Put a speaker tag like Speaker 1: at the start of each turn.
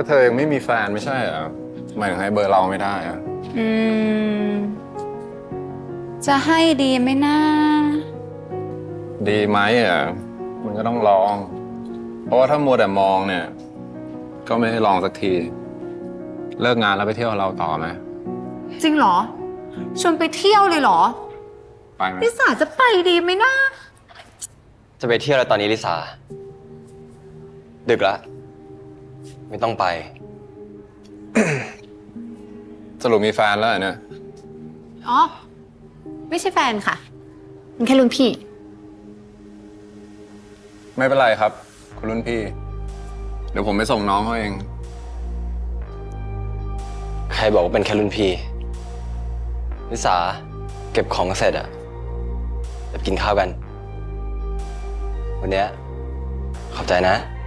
Speaker 1: ก็เธอยังไม่มีแฟนไม่ใช่เหรอทำไมถึงให้เบอร์เราไม่ได้อะ
Speaker 2: อืม จะให้ดีไหมนะ
Speaker 1: ดีไหมอ่ะมันก็ต้องลอง เพราะว่าถ้ามัวแต่มองเนี่ย ก็ไม่ได้ลองสักที เลิกงานแล้วไปเที่ยวกับเราต่อไหม
Speaker 2: จริงเหรอ ชวนไปเที่ยวเลยเหรอ
Speaker 1: ไปไหม
Speaker 2: ลิสาจะไปดีไหมนะ
Speaker 3: จะไปเที่ยวแล้วตอนนี้ลิสาดึกแล้วไม่ต้องไป
Speaker 1: สรุปมีแฟนแล้วเหรอเนี่ย
Speaker 2: อ๋อ ไม่ใช่แฟนค่ะมันแค่รุ่นพี่
Speaker 1: ไม่เป็นไรครับ คุณรุ่นพี่ เดี๋ยวผมไปส่งน้องเขาเอง
Speaker 3: ใครบอกว่าเป็นแค่รุ่นพี่ลิสาเก็บของเสร็จอะเดี๋ยวกินข้าวกัน วันเนี้ยขอบใจนะ